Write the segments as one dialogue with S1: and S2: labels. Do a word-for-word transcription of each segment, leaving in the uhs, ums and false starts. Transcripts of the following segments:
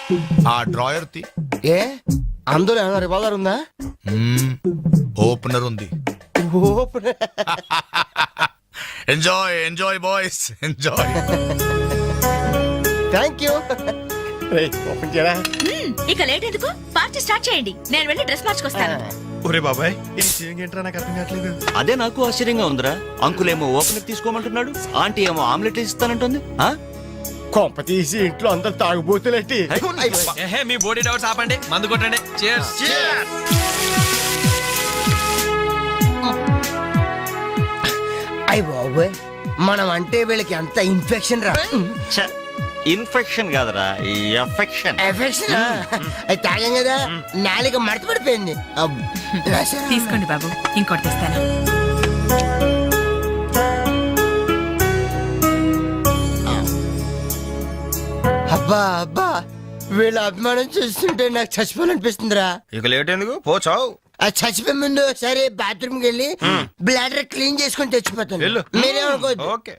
S1: ఆ డ్రాయర్ తి
S2: ఏ అందులో ఏమైనా రివాల్వర్ ఉందా?
S1: ఓపెనర్ ఉంది. Enjoy enjoy boys enjoy.
S2: Thank you. Open చేయరా.
S3: ఇక లేట్ ఎందుకు, పార్టీ స్టార్ట్ చేయండి. నేను వెళ్ళి డ్రెస్ మార్చుకొస్తాను.
S4: ఒరే బాబాయ్ ఏంట్రా నాకు అర్థం కావట్లేదు.
S5: అదే నాకు ఆశ్చర్యంగా ఉందిరా. అంకుల్ ఏమో ఓపెనర్ తీసుకోమంటున్నాడు, ఆంటీ ఏమో ఆమ్లెట్ ఇస్తానంటుంది.
S2: కొంప తీసి ఇంట్లో అందరు తాగుబోతులేంటి?
S4: మీ బాడీ డౌట్స్ ఆపండి, మందు కొట్టండి. Cheers.
S2: అయ్య బాబోయ్, మనం అంటే వీళ్ళకి అంత ఇన్ఫెక్షన్ రా.
S5: ఇన్ఫెక్షన్ కాదురా, ఎఫెక్షన్.
S2: ఎఫెక్షన్ అది తాగాం కదా, నాలుక మడత పడిపోయింది.
S3: తీసుకోండి బాబు, ఇంకోటి తెస్తాను.
S2: అబ్బా అబ్బా, వీళ్ళ అభిమానం చూస్తుంటే నాకు చచ్చిపోవాలనిపిస్తుందిరా.
S4: ఇక లేట్ ఎందుకు, పోచావు.
S2: ఆ చచ్చిపోయే ముందు సరే బాత్రూమ్ కి వెళ్ళి బ్లాడర్ క్లీన్ చేసుకొని తెచ్చిపోతాను. మీరేమనుకోవద్దు.
S4: ఓకే.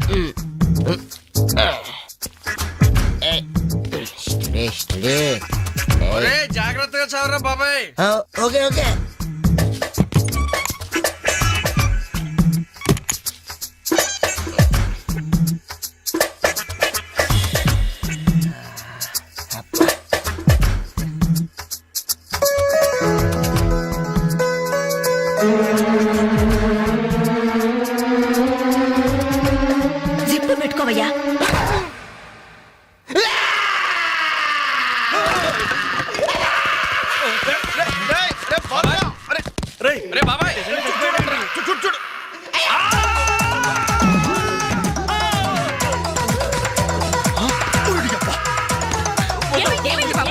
S4: జాగ్రత్తగా చదవరా బాబాయ్.
S2: Okay okay.
S3: జిప్పు పెట్టుకోవయ్యా.
S4: రే బాబాయ్ చూడు చూడు.
S3: ఏమైంది, ఏమైంది బాబు?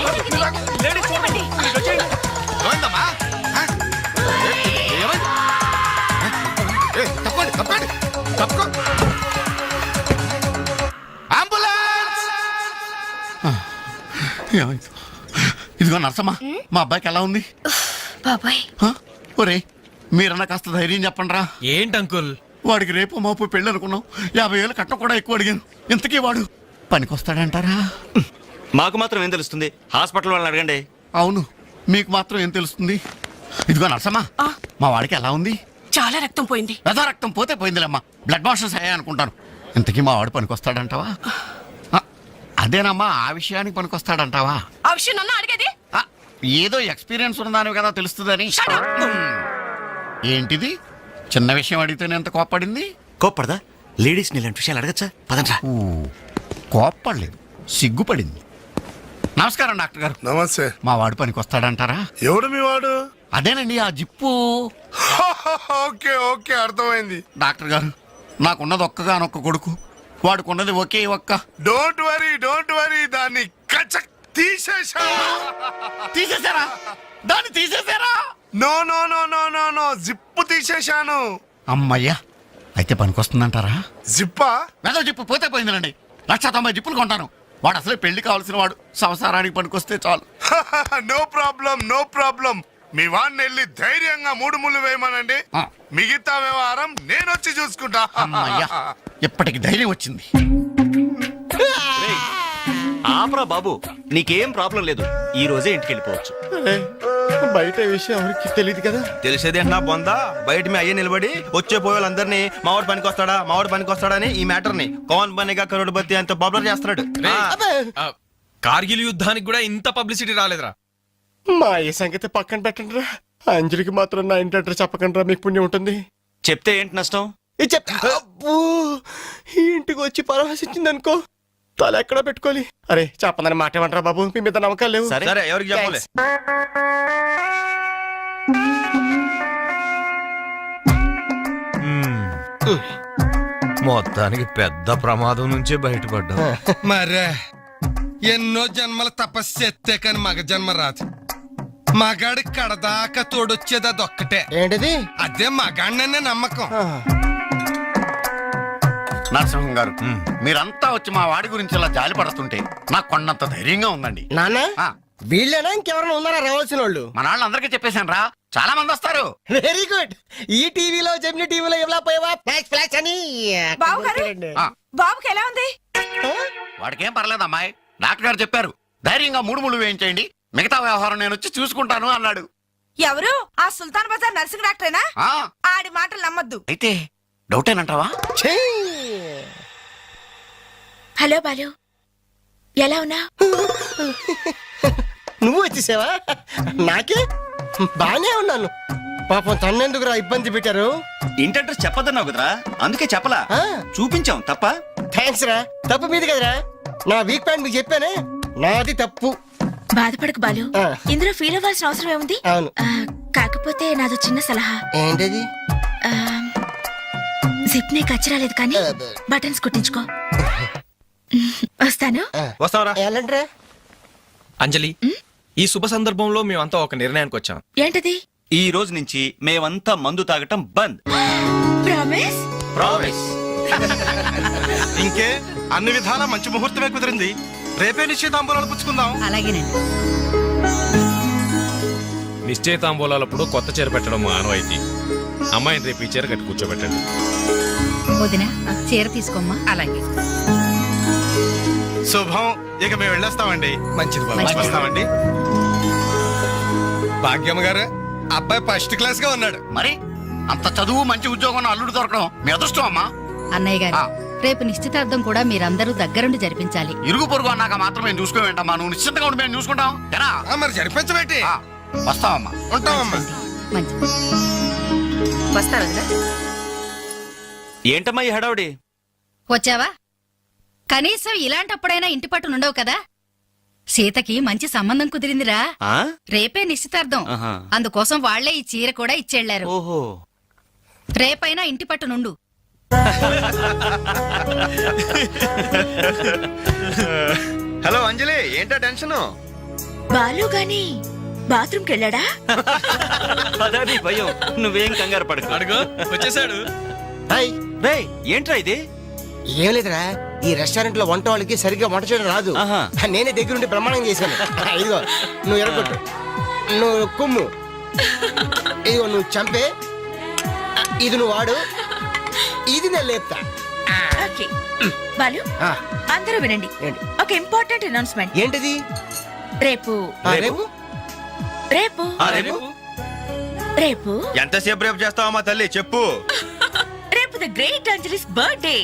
S1: ఏమైందమ్మా? ఏమైంది? తప్పండి తప్పండి తప్పుకో. అంబులెన్స్.
S6: ఇదిగో నర్సమ్మా, మా అబ్బాయికి ఎలా ఉంది?
S3: బాబాయ్
S6: ఒరే మీరన్నా కాస్త ధైర్యం చెప్పండి రా.
S4: ఏంటి అంకుల్?
S6: వాడికి రేపు మాపు పెళ్ళి అనుకున్నాం, యాభై వేలు కట్ట కూడా ఎక్కువ అడిగాను. ఇంతకీ వాడు పనికొస్తాడంటారా?
S5: మాకు మాత్రం ఏం తెలుస్తుంది, హాస్పిటల్ వాళ్ళని అడగండి.
S6: అవును, మీకు మాత్రం ఏం తెలుస్తుంది? ఇదిగో నర్సమ్మా, మా వాడికి ఎలా ఉంది?
S3: చాలా రక్తం పోయింది.
S6: రథ రక్తం పోతే పోయిందిలేమ్మా, బ్లడ్ వాషెస్ అయ్యాయి అనుకుంటాను. ఇంతకీ మా వాడు పనికొస్తాడంటావా? అదేనమ్మా, ఆ విషయానికి పనికొస్తాడంటావా?
S3: ఆ విషయం నన్ను అడిగేది?
S6: ఆ, ఏదో ఎక్స్పీరియన్స్ ఉన్నదాని కదా తెలుస్తుందని. ఏంటిది చిన్న విషయం అడిగితేనే ఎంత కోప్పడింది?
S5: కోప్పడదా? లేడీస్ ఇలాంటి విషయాలు అడగచ్చా? పదండ్రా.
S6: కోప్పడలేదు, సిగ్గుపడింది. నమస్కారం డాక్టర్ గారు.
S7: నమస్తే.
S6: మా వాడు పనికి వస్తాడంటారా?
S7: ఎవడు మీ వాడు?
S6: అదేనండి ఆ జిప్పు.
S7: ఓకే ఓకే అర్థమైంది.
S6: డాక్టర్ గారు, నాకున్నది ఒక్కగానొక్క కొడుకు, వాడుకున్నది ఒకే ఒక్క.
S7: డోంట్ వరీ డోంట్ వరీ దాన్ని కచక్ తీసేసా.
S6: తీసేశారా? దాన్ని తీసేశారా?
S7: No no no no no no zip తీసేశాను.
S6: అమ్మయ్యా, అయితే పనికొస్తుందంటారా?
S7: జిప్పా?
S6: వెదో జిప్పు పోతే పోయిందిలండి. లక్ష తొంభై జిప్పులు కొంటాను. వాడు అసలే పెళ్లి కావాల్సిన వాడు, సంసారానికి పనికొస్తే చాలు.
S7: No problem no problem. మీ వాడిని వెళ్ళి ధైర్యంగా మూడు ముళ్ళు వేయమనండి, మిగతా వ్యవహారం నేను వచ్చి చూసుకుంటా.
S6: అమ్మయ్యా, ఇప్పటికి ధైర్యం వచ్చింది.
S5: ఆపరా బాబు, నీకేం ప్రాబ్లం లేదు. ఈ రోజే ఇంటికి వెళ్ళిపోవచ్చు.
S2: బయట విషయం ఎవరికి తెలియదు కదా.
S4: తెలిసేది నా బొందా, బయట మీ అయ్యే నిలబడి వచ్చే పోయే వాళ్ళందరినీ మావాడు పనికి వస్తాడా మావాడు పనికి వస్తాడని ఈ మ్యాటర్ ని కౌన్ బనేగా కరోడ్పతి అంత పాపులర్ చేస్తున్నాడు. కార్గిల్ యుద్ధానికి కూడా ఇంత పబ్లిసిటీ రాలేదురా.
S2: మా ఈ సంగతి పక్కన పెట్టండి రా. అంజలికి మాత్రం నా ఇంటి అడ్రస్ చెప్పకండి రా, మీకు పుణ్యం ఉంటుంది.
S5: చెప్తే ఏంటి నష్టం?
S2: ఇది చెప్తా. అబ్బో, ఈ ఇంటికి వచ్చి పరామర్శించింది అనుకో, తల ఎక్కడ పెట్టుకోవాలి. అరే చెప్పందని మాట ఏమంటారా బాబు, మీ మీద నమ్మకాలు లేవు.
S5: సరే
S4: సరే ఎవరికి చెప్పలే. మొత్తానికి పెద్ద ప్రమాదం నుంచే బయటపడ్డా.
S8: మరే ఎన్నో జన్మల తపస్సు ఎత్తే కాని మగ జన్మ రాదు. మగాడి కడదాకా తోడొచ్చేది అదొక్కటే.
S2: ఏంటిది?
S8: అదే మగాడిననే నమ్మకం.
S6: నరసింహం గారు, మీరంతా వచ్చి మా వాడి గురించి ఇలా జాలి పడుతుంటే నాకు కొన్నంత ధైర్యంగా ఉందండి.
S2: నాన్న,
S6: ఆ,
S2: వీళ్ళేనా ఇంకెవరైనా ఉన్నారా రావాల్సిన వాళ్ళు?
S6: మన వాళ్ళందరికీ చెప్పేశాను రా, చాలా మంది వస్తారు.
S2: Very good. ఈ టీవీలో జెమిని టీవీలో ఎవలా పోయావా ఫ్లాష్ ఫ్లాష్ అని.
S3: బాబు గారు,
S6: ఆ,
S3: బాబుకి ఎలా ఉంది?
S6: వాడికేం పర్లేదు అమ్మాయి, డాక్టర్ గారు చెప్పారు ధైర్యంగా మూడు ముళ్ళు వేయించేయండి, మిగతా వ్యవహారం నేను వచ్చి చూసుకుంటాను అన్నాడు.
S9: ఎవరు ఆ సుల్తాన్ బజార్ నర్సింగ్ డాక్టరేనా?
S6: ఆ,
S9: ఆడి మాటలు నమ్మద్దు.
S6: అయితే డౌటేనంటావా?
S2: ఛీ!
S3: హలో బాలు, ఎలా ఉన్నా?
S2: నువ్వు వచ్చేసావా? నాకే బానే ఉన్నాను. పాపం తన్నెందుకురా ఇబ్బంది పెట్టారు?
S5: ఇంటి అడ్రస్ చెప్పదన్నావు కదరా, అందుకే చెప్పలా.
S2: ఆ.
S5: చూపించాం తప్ప.
S2: థ్యాంక్స్ రా. తప్పు మీది కదరా. నా వీక్ పాయింట్ మీకు చెప్పానే, నాది తప్పు.
S3: బాధపడకు బాలు,
S2: ఆ.
S3: ఇందులో ఫీల్ అవ్వాల్సిన అవసరం ఏముంది?
S2: అవును.
S3: ఆ, కాకపోతే నాదో చిన్న సలహా.
S2: ఏంటది?
S3: ఆ, జిప్ నీ కచ్చరాలేదు కానీ బటన్స్ కుట్టించుకో. వస్తాను.
S4: వస్తావరా
S2: ఎలాంటిరా?
S4: అంజలి, ఈ శుభ సందర్భంలో మేమంతా ఒక నిర్ణయానికి వచ్చాం.
S3: ఏంటది?
S5: ఈ రోజు నుంచి మేమంతా మందు తాగటం బంద్.
S3: ప్రామిస్?
S5: ప్రామిస్.
S8: ఇంకే అన్ని విధాల మంచి ముహూర్తమే కుదిరింది. రేపే నిశ్చితాంబూలాలు పుచ్చుకుందాం.
S9: అలాగేనండి.
S10: నిశ్చయితాంబూలాలప్పుడు కొత్త చీర పెట్టడం ఆనవాయితీ. అమ్మాయిని రేపు ఈ చీర కట్టి కూర్చోబెట్టండి.
S9: వదిన చీర తీసుకోమ్మా. అలాగే.
S8: శుభం. ఇక మేము వెళ్ళొస్తామండి.
S2: మంచిది బాబు.
S9: మంచిది.
S8: వస్తామండి. భాగ్యమ్మ గారు, అబ్బాయి ఫస్ట్ క్లాస్ గా ఉన్నాడు.
S6: మరి అంత చదువు మంచి ఉద్యోగం అల్లుడు దొరకడం మీ అదృష్టం అమ్మా.
S9: అన్నయ్య గారు,
S6: ఆ.
S9: రేపు నిశ్చితార్థం కూడా మీరందరూ దగ్గరుండి జరిపించాలి.
S6: ఇరుగు పొరుగు అన్నాక మాత్రం మేము చూసుకోవేంటమ్మా, నువ్వు నిశ్చింతగా ఉండి మేము చూసుకుంటాం. ఎరా?
S8: ఆ, మరి జరిపించబెట్టి
S6: ఆ, వస్తావమ్మా.
S8: ఉంటామమ్మా.
S9: మంచిది. వస్తారు వదినా.
S5: ఏంటమ్మా ఈ హడావుడి?
S9: వచ్చావా? కనీసం ఇలాంటప్పుడైనా ఇంటి పట్టు నుండవు కదా. సీతకి మంచి సంబంధం కుదిరిందిరా.
S5: ఆ?
S9: రేపే నిశ్చితార్థం.
S5: ఆహా.
S9: అందుకోసం వాళ్లే ఈ చీర కూడా ఇచ్చెళ్లారు.
S5: ఓహో.
S9: రేపైనా ఇంటి పట్టు నుండు.
S4: హలో అంజలి, ఏంటా టెన్షన్?
S3: బాలు గాని బాత్రూమ్కి వెళ్ళాడా?
S5: అదే భయం. నువ్వేం కంగారు పడకు.
S4: అడుగు వచ్చేసాడు.
S2: హాయ్.
S5: రేయ్, ఏంట్రా ఇది?
S2: ఏం లేదురా, ఈ రెస్టారెంట్ లో వంట వాళ్ళకి సరిగ్గా వంట చేయడం రాదు.
S5: ఆహా.
S2: నేనే దగ్గరుండి ప్రమాణం చేశాను. ఇదిగో నువ్వు ఎరగొట్టు, నువ్వు కుమ్ము, ఇదిగో నువ్వు చంపే, ఇది నువ్వు వాడు, ఇది నేను లేపుతా.
S3: ఓకే బాలు,
S2: ఆ,
S3: అందరూ వినండి.
S2: ఏంటి?
S3: ఒక ఇంపార్టెంట్ అనౌన్స్మెంట్.
S2: ఏంటిది?
S3: రేపు
S2: ఆ, రేపు
S3: రేపు
S4: ఆ, రేపు
S3: రేపు
S4: ఎంతసేపు రేపు చేస్తావా మా తల్లి, చెప్పు.
S3: రేపు the great Anjali's birthday.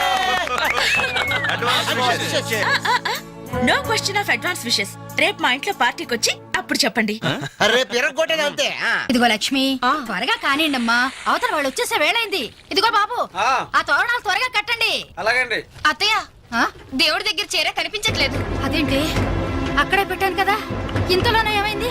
S3: No question of advance wishes. రేపు మా ఇంట్లో పార్టీకి వచ్చి అప్పుడు చెప్పండి.
S2: రేపు ఎరగొట్టేది అంతే. ఆ.
S9: ఇదిగో లక్ష్మి, త్వరగా కానివ్వండమ్మా, అవతల వాళ్ళు వచ్చేసే వేళైంది. ఇదిగో బాబు, ఆ తోరణాలు త్వరగా కట్టండి.
S4: అలాగండి.
S9: అత్తయ్య, దేవుడి దగ్గర చీర కనిపించట్లేదు. అదేంటి? అక్కడే పెట్టాను కదా, ఇంతలోనే ఏమైంది?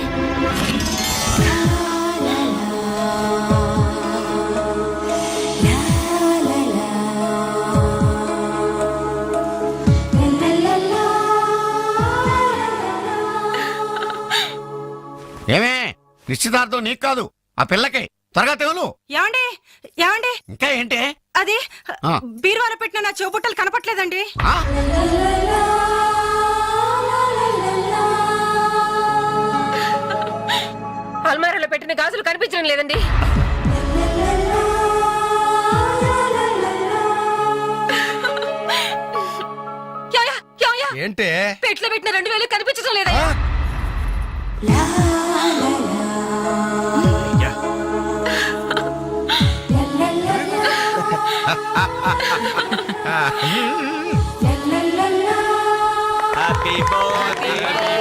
S6: ఏమే, నిశ్చితార్థం నీకు కాదు ఆ పిల్లకే. త్వరగా తెలు.
S9: ఏమండి ఏమండి
S6: ఇంకా ఏంటి?
S9: అది
S6: ఆ.
S9: బీరువాలో పెట్టిన నా చెవుబుట్టలు కనపట్లేదండి.
S6: ఆ?
S9: అల్మారాలో పెట్టిన గాజులు కనిపించడం లేదండి. యాయా, యాయా,
S8: ఏంటే?
S9: పెట్లో పెట్టిన రెండు వేలు కనిపించడం లేదా?
S5: హ్యాపీ బర్త్డే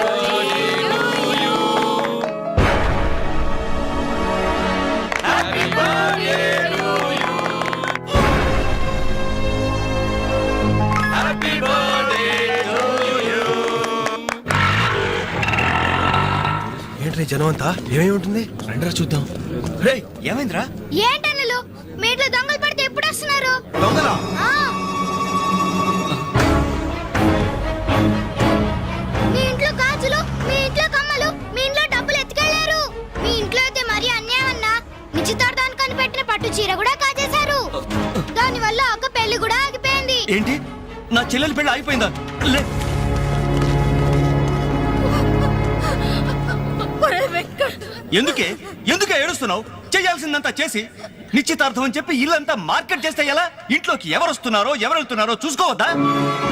S4: ఏంట్రీ జనం అంతా? ఏమేమి ఉంటుంది రండిరా చూద్దాం. రేయ్,
S5: ఏమైందిరా?
S3: ఏంటన్నలు మీ ఇంట్లో దొంగలు పడితే ఎప్పుడు వస్తున్నారు?
S4: దొంగలా?
S3: మీ ఇంట్లో గాజులు, మీ ఇంట్లో కమ్మలు, మీ ఇంట్లో డబ్బులు ఎత్తుకెళ్లారు. మీ ఇంట్లో అయితే మరీ అన్యాయం అన్నా. నిశ్చితార్థానికి పెట్టిన పట్టు చీర కూడా కాజేశారు. దాని వల్ల ఒక పెళ్లి కూడా ఆగిపోయింది.
S5: ఏంటి, నా చెల్లెలి పెళ్లి ఆగిపోయిందా? లే, ఎందుకే ఎందుకే ఏడుస్తున్నావు? చేయాల్సిందంతా చేసి నిశ్చితార్థం అని చెప్పి ఇల్లంతా మార్కెట్ చేస్తే ఎలా? ఇంట్లోకి ఎవరు వస్తున్నారో ఎవరు వెళ్తున్నారో చూసుకోవద్దా?